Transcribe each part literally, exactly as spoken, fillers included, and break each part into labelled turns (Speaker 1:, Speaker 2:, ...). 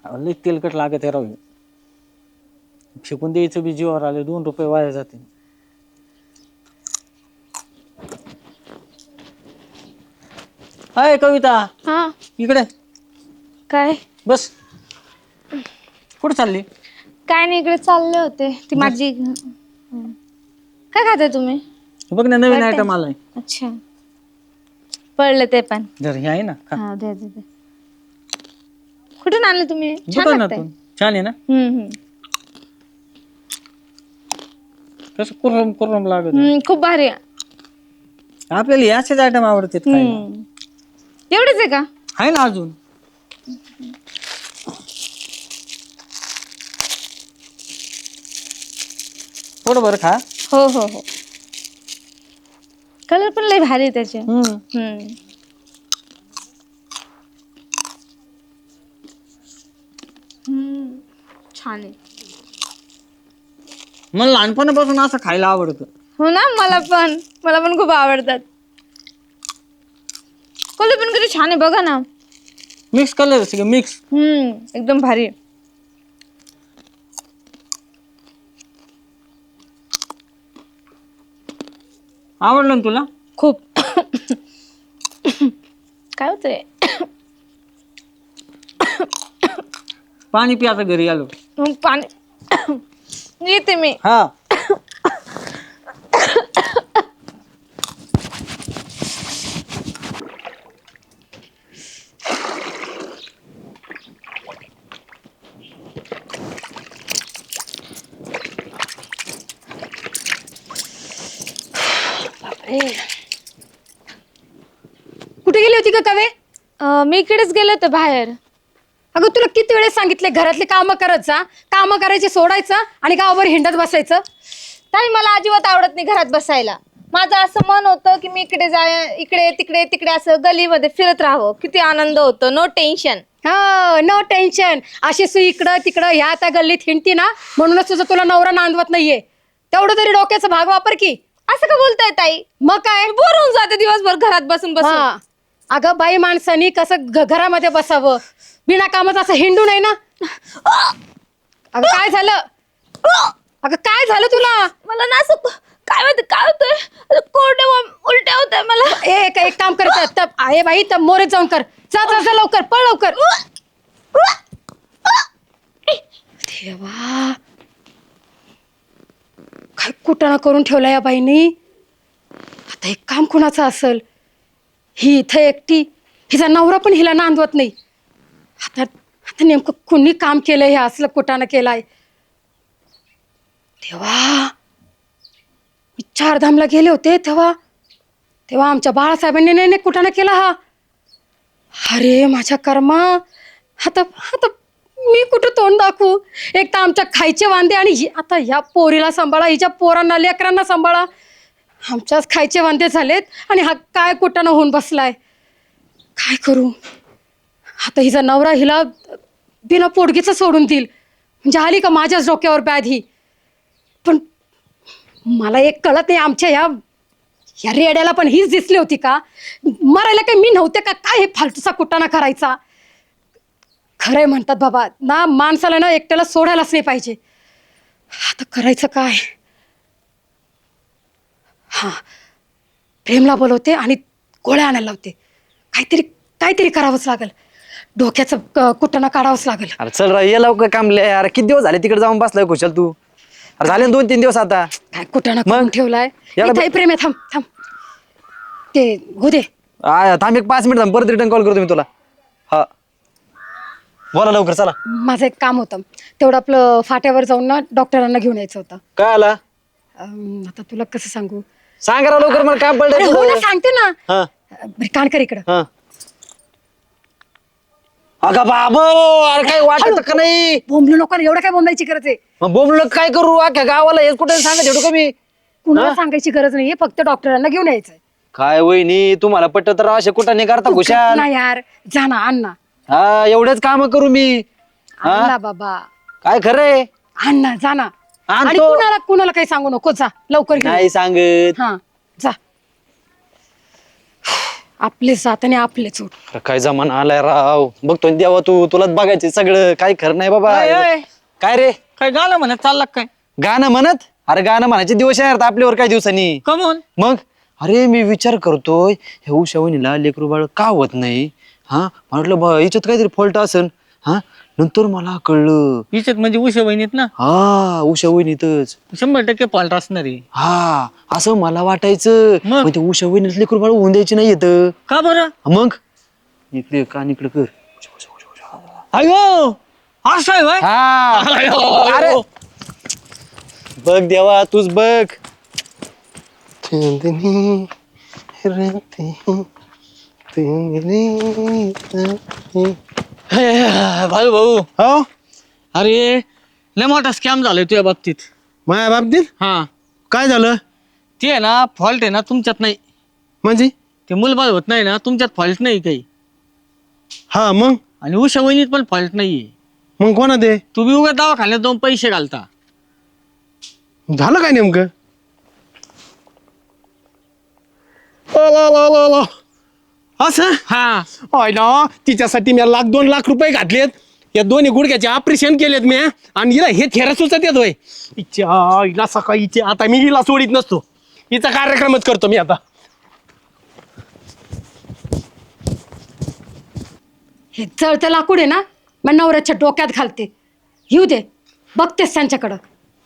Speaker 1: लई तेलकट लागत आहे राहू. फेकून द्यायचं बी जीवावर आले, दोन रुपये वाया जाते. हाय कविता,
Speaker 2: हा
Speaker 1: इकडे
Speaker 2: काय
Speaker 1: बस. कुठे चालली?
Speaker 2: काय नाही, इकडे चालले होते. ती माझी काय खाते तुम्ही?
Speaker 1: बघ ना, नवीन
Speaker 2: वाटतंय?
Speaker 1: आयटम आलाय.
Speaker 2: अच्छा, पडलं ते पण.
Speaker 1: जर हे आहे ना, खा.
Speaker 2: हा दे दे दे. कुठून आणलं तुम्ही? छान लागतंय.
Speaker 1: दुकानातून. छान आहे ना?
Speaker 2: हम्म हम्म
Speaker 1: कसं कुरम कुरम लागत आहे.
Speaker 2: हम्म खूप भारी आहे.
Speaker 1: आपल्याला असेच आयटम आवडतात खायला.
Speaker 2: हम्म एवढंच आहे का?
Speaker 1: आहे ना अजून. थोडं बरं खा.
Speaker 2: हो हो हो. कलर पण लय भारी आहे त्याचे.
Speaker 1: हम्म
Speaker 2: हम्म हम्म छान आहे.
Speaker 1: मला लहानपणापासून असं खायला आवडतं.
Speaker 2: हो ना, मला पण मला पण खूप आवडतात. कलर पण किती छान आहे बघा ना.
Speaker 1: मिक्स कलर सगळे मिक्स.
Speaker 2: हम्म एकदम भारी.
Speaker 1: आवडलं ना तुला?
Speaker 2: खूप. काय होतंय?
Speaker 1: पाणी पी आता, घरी आलो.
Speaker 2: मग पाणी येते मी.
Speaker 1: हा.
Speaker 3: कुठे गेली होती का कवे?
Speaker 2: अं, मी इकडेच गेले होते बाहेर.
Speaker 3: अगं तुला किती वेळेस सांगितले घरातले कामं करत जा, कामं करायचे सोडायचं आणि गावावर हिंडत बसायचं.
Speaker 2: ताई मला अजिबात आवडत नाही घरात बसायला. माझं असं मन होतं की मी इकडे जाय इकडे तिकडे तिकडे असं गलीमध्ये फिरत राहावं. किती आनंद होतो. No tension.
Speaker 3: हो, नो टेन्शन. अशी सु इकडं तिकडं ह्या त्या गल्लीत हिंडती ना, म्हणूनच तुझं तुला नवरा नांदवत नाहीये. तेवढं तरी डोक्याचा भाग वापर की.
Speaker 2: असं का बोलताय ताई?
Speaker 3: मग काय?
Speaker 2: बोर होऊन जाते दिवसभर घरात बसून बसून.
Speaker 3: हा. अगं बाई माणसानी कसं घ- घरामध्ये बसावं, बिना कामाचं असं हिंडू नाही ना. अगं काय झालं? अगं काय झालं तुला?
Speaker 2: मला ना असं काय माहिती काय होतंय, कोरडे उलट्या होत मला.
Speaker 3: एक एक काम कर, तब आहे बाई, तब मोरेत जाऊन कर. जा जा जा लवकर, पळ लवकर. देवा, काय कुटाणा करून ठेवला या बाईनी. आता एक काम कुणाचं असेल? ही इथं एकटी, हिचा नवरा पण हिला नांदवत नाही. आता आता नेमकं कुणी काम केलंय, हे असलं कुटाणा केलाय. देवा, मी चारधामला गेले होते तेव्हा तेव्हा आमच्या बाळासाहेबांनी नाही नाही कुटाणा केला हा. अरे माझ्या कर्मा, आता आता मी कुठं तोंड दाखवू? एक तर आमच्या खायचे वांदे, आणि हि- आता ह्या पोरीला सांभाळा, हिच्या पोरांना लेकरांना सांभाळा. आमच्याच खायचे वांदे झालेत आणि हा काय कुटाणा होऊन बसलाय. काय करू आता? हिचा नवरा हिला बिना पोटगीचं सोडून देईल म्हणजे आली का माझ्याच डोक्यावर बॅध ही. पण मला एक कळत नाही, आमच्या ह्या या रेड्याला पण हीच दिसली होती का? मरायला काही मी नव्हते का काय हे फालतूचा कुटाणा करायचा? खरंय म्हणतात बाबा ना, माणसाला ना एकट्याला सोडायलाच नाही पाहिजे. आता करायचं काय? हा, प्रेमला बोलवते आणि गोळ्या आणायला लावते. काहीतरी काहीतरी करावंच लागेल. डोक्याचं क- कुटाणा काढावंच लागेल.
Speaker 4: अरे चल रा, ये लवकर कामले. अरे किती दिवस झाले तिकडे जाऊन बसलाय कुशल तू? अरे झाले ना दोन तीन दिवस आता.
Speaker 3: काय कुटाणा
Speaker 4: मग?
Speaker 3: करून ठेवलाय?
Speaker 4: याला ब-
Speaker 3: इथंही प्रेम आहे. थांब थांब, ते हो दे.
Speaker 4: आ, थांब एक पाच मिनिट थांब, परत रिटर्न कॉल करतो मी तुला. हा, बोला लवकर चला.
Speaker 3: माझं एक काम होतं, तेवढं आपलं फाट्यावर जाऊन ना डॉक्टरांना घेऊन यायचं होतं.
Speaker 4: काय आला?
Speaker 3: अं, आता तुला कसं सांगू?
Speaker 4: सांग रा लवकर, मला काम
Speaker 3: अरे हो ना,
Speaker 4: पडलं.
Speaker 3: सांगते ना.
Speaker 4: हा
Speaker 3: बरं, कान कर इकडं.
Speaker 4: हा. अगं बाबो, अरे काय वाटत का नाही?
Speaker 3: बोंबलू नको, एवढं काय बोंबायची गरज आहे?
Speaker 4: मग बोंबलं काय करू? अख्ख्या गावाला हेच कुठे सांगत एवढं कमी?
Speaker 3: कुणाला सांगायची गरज नाहीये, फक्त डॉक्टरांना घेऊन यायचंय.
Speaker 4: काय वहिनी, तुम्हाला पटत तर असे कुठं नाही करता खुशाल.
Speaker 3: ना यार, जा ना, आण ना.
Speaker 4: हा, एवढेच काम करू मी?
Speaker 3: आण ना बाबा,
Speaker 4: काय खरंय?
Speaker 3: आण ना, जा ना. आणि
Speaker 4: आणतो.
Speaker 3: कुणाला कुणाला काही सांगू नको, जा लवकर घेऊन.
Speaker 4: नाही सांगत.
Speaker 3: हा, जा. आपलेच जात आणि आपलेच उठ.
Speaker 4: अरे काय जमाना आलाय राव, बघतोय ना देवा तू, तुलाच बघायचे सगळं, काय खरं नाही बाबा.
Speaker 1: अय, अय.
Speaker 4: काय रे
Speaker 1: काय गाणं म्हणत चालला काय?
Speaker 4: गाणं म्हणत? अरे गाणं म्हणायचे दिवस येणार आता आपल्यावर काही दिवसांनी.
Speaker 1: कमून
Speaker 4: मग अरे मी विचार करतोय हे उषा वहिनीला लेकरू बाळ का होत नाही. हा म्हटलं बा याच्यात काहीतरी फॉल्ट असेल. हा नंतर मला कळलं,
Speaker 1: हिच्यात म्हणजे उशा वहिनीत ना,
Speaker 4: हा उषा वहिनीतच.
Speaker 1: शंभर टक्के फॉल्ट असणार आहे.
Speaker 4: हा असं मला वाटायचं.
Speaker 1: मग?
Speaker 4: मग ते उषा वहिनीच लेकरू बाळ होऊन द्यायची नाही येत.
Speaker 1: का बरं?
Speaker 4: मग इकडे कान इकडे कर.
Speaker 1: अयो असं आहे व्हय?
Speaker 4: हा
Speaker 1: अयो,
Speaker 4: अरे
Speaker 1: अयो.
Speaker 4: बघ देवा तूच बघ.
Speaker 1: भाऊ भाऊ
Speaker 5: हो
Speaker 1: अरे लय मोठा स्कॅम झालाय तुझ्या बाबतीत.
Speaker 5: माझ्या बाबतीत
Speaker 1: हा
Speaker 5: काय झालं
Speaker 1: ते आहे ना, फॉल्ट आहे ना तुमच्यात नाही.
Speaker 5: म्हणजे?
Speaker 1: ते मुलबाळ होत नाही ना, तुमच्यात फॉल्ट नाही काही.
Speaker 5: हा मग
Speaker 1: आणि उषा वहिनीत पण फॉल्ट नाहीये.
Speaker 5: मग कोणा ते
Speaker 1: तुम्ही उगा दवाखान्यात जाऊन पैसे घालता.
Speaker 5: झालं काय नेमकं? ओ, ओ, ओ, ओ, ओ. असं
Speaker 1: हा
Speaker 5: होय ना, तिच्यासाठी मी लाख दोन लाख रुपये घातलेत. या दोन्ही गुडघ्याचे ऑपरेशन केलेत मी, आणि हिला हे थेरा सुचत येतोय. हिच्या हिला सकाळी हिचे आता मी हिला सोडित नसतो. हिचा कार्यक्रमच करतो मी आता.
Speaker 3: हे जळतं लाकूड आहे ना, मग नवऱ्याच्या डोक्यात घालते. येऊ दे, बघतेस त्यांच्याकडं.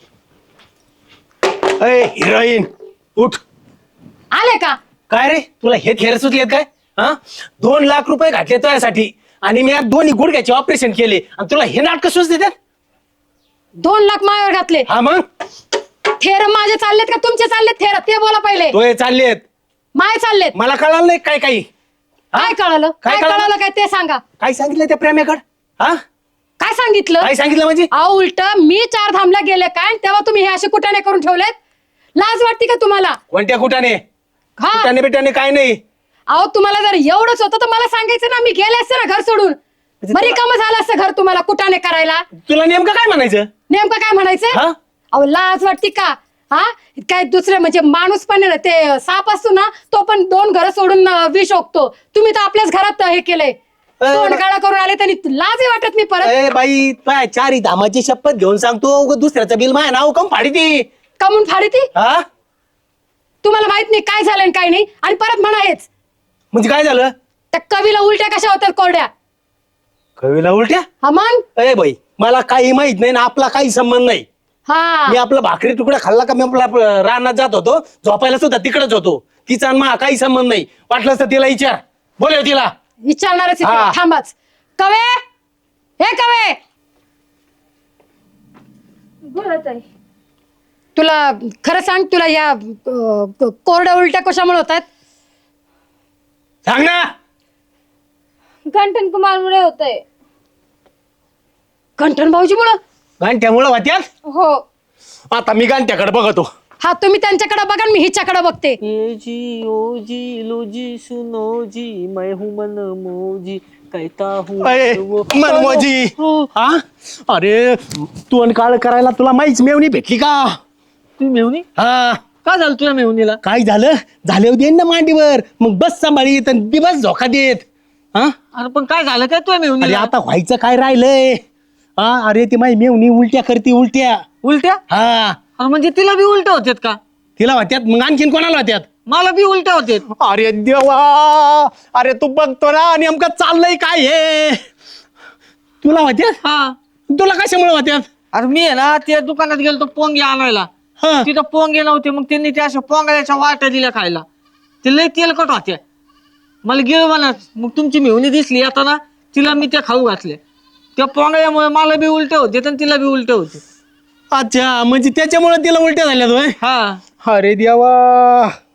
Speaker 5: अय हिरोईन उठ.
Speaker 3: आले का?
Speaker 5: काय रे तुला हे थेर सुचलेत काय? हा दोन लाख रुपये घातले तुझ्यासाठी, आणि मी आज दोन्ही गुडघ्याचे ऑपरेशन केले, आणि तुला हे नाटक सुच देतात?
Speaker 3: दोन लाख मायावर घातले.
Speaker 5: हा मग
Speaker 3: थेर माझे चाललेत का तुमचे चाललेत थेर? ते बोला पहिले.
Speaker 5: तो हे चाललेत.
Speaker 3: माय चाललेत.
Speaker 5: मला कळालं नाही काय काही. हा?
Speaker 3: काय कळालं?
Speaker 5: काय
Speaker 3: काय
Speaker 5: कळालं?
Speaker 3: कळालं काय ते सांगा.
Speaker 5: काय सांगितलं त्या प्रेमेकड? हा
Speaker 3: काय सांगितलं?
Speaker 5: काय सांगितलं म्हणजे?
Speaker 3: अहो उलट मी चार धामला गेले काय, आणि तेव्हा तुम्ही हे असे कुटाणे करून ठेवलेत. लाज वाटते का तुम्हाला?
Speaker 5: कोणत्या कुटाने?
Speaker 3: हा
Speaker 5: कुटाने बिटाने काय नाही.
Speaker 3: अहो तुम्हाला जर एवढंच होतं तर मला सांगायचं ना, मी गेले असते ना घर सोडून. बरी काम झालं असतं घर तुम्हाला कुटाने करायला.
Speaker 5: तुला नेमकं काय म्हणायचं?
Speaker 3: नेमकं काय म्हणायचं?
Speaker 5: हा
Speaker 3: अहो लाज वाटते का? हा काय दुसरे म्हणजे माणूस पण आहे ना, ते साप असतो ना, तो पण दोन घर सोडून अं, विष ओकतो. तुम्ही तर आपल्याच घरात हे केलंय. तोंड काळा करून आले त्यांनी लाजही वाटत नाही परत.
Speaker 5: ए बाई काय चारी धामाची शपथ घेऊन सांगतो, उगाच दुसऱ्याचं बिल माय नाव कम फाडी ती.
Speaker 3: कमून फाडी ती?
Speaker 5: हा
Speaker 3: तुम्हाला माहित नाही काय झालं आणि काय नाही, आणि परत म्हणा हेच.
Speaker 5: म्हणजे काय झालं?
Speaker 3: त्या कवीला उलट्या कशा होतात कोरड्या?
Speaker 5: कवीला उलट्या?
Speaker 3: हा मग?
Speaker 5: ए बाई मला काही माहित नाही ना, आपला काही संबंध नाही.
Speaker 3: हा
Speaker 5: मी आपला भाकरी तुकडा खाल्ला का मी आपला आपलं रानात जात होतो, झोपायला सुद्धा तिकडेच होतो. तिचा आणि मा काही संबंध नाही. वाटलं तर तिला विचार, बोलव तिला.
Speaker 3: विचारणारच आहे
Speaker 5: हा.
Speaker 3: तिला. थांबाच. कवे, हे कवे, तुला खरं सांग, तुला या अं, कोरड्या उलट्या कशामुळे होतात?
Speaker 5: सांग ना.
Speaker 2: गंठन कुमारमुळे होतंय.
Speaker 3: गंठन भाऊजीमुळं?
Speaker 5: गांठ्यामुळं वाट्यात.
Speaker 2: हो.
Speaker 5: आता मी गांठ्याकडे बघतो.
Speaker 3: हा तुम्ही त्यांच्याकडे बघा आणि मी हिच्याकडे बघते.
Speaker 1: ये जी ओ जी लो जी सुनो जी मैं हूँ मन मोजी कहता हूँ
Speaker 5: अरे
Speaker 1: वो-
Speaker 5: मनमोजी.
Speaker 1: हो.
Speaker 5: हा अरे तू काळ करायला तुला माहीच मेवणी भेटली का?
Speaker 1: तुम्ही मेहुनी
Speaker 5: हा
Speaker 1: का झालं तुझ्या मेहुनीला?
Speaker 5: काय झालं? झाले देईन ना मांडीवर, मग बस सांभाळीत आणि दिवस झोका देत. हा
Speaker 1: अरे पण काय झालं काय तुझ्या
Speaker 5: अरे
Speaker 1: मेहुनीला?
Speaker 5: आता व्हायचं काय राहिलंय? हा अरे ती माझी मेवणी उलट्या करते उलट्या.
Speaker 1: उलट्या?
Speaker 5: हा
Speaker 1: अरे म्हणजे तिला बी उलट्या होत्यात का?
Speaker 5: तिला होत्यात, मग आणखीन कोणाला होत्यात?
Speaker 1: मला बी उलट्या होत्यात.
Speaker 5: अरे देवा, अरे तू बघतो ना नेमकं चाललंय काय हे? तुला होत्यात?
Speaker 1: हा
Speaker 5: तुला कशामुळे होत्यात?
Speaker 1: अरे मी आहे ना त्या दुकानात गेलो पोंगे आणायला.
Speaker 5: हा
Speaker 1: तिथं पोंगे नव्हते, मग त्यांनी त्या अशा पोंगाच्या वाट्या दिल्या खायला. ते लय तेलकट होत्या. मला गिळ म्हणत, मग तुमची मेहुनी दिसली आता ना, तिला मी त्या खाऊ घातल्या. त्या पोंगळ्यामुळे मला बी उलट्या होते आणि तिला बी उलट्या होते.
Speaker 5: अच्छा, म्हणजे त्याच्यामुळे तिला उलट्या झाल्यात होय?
Speaker 1: हा
Speaker 5: अरे देवा.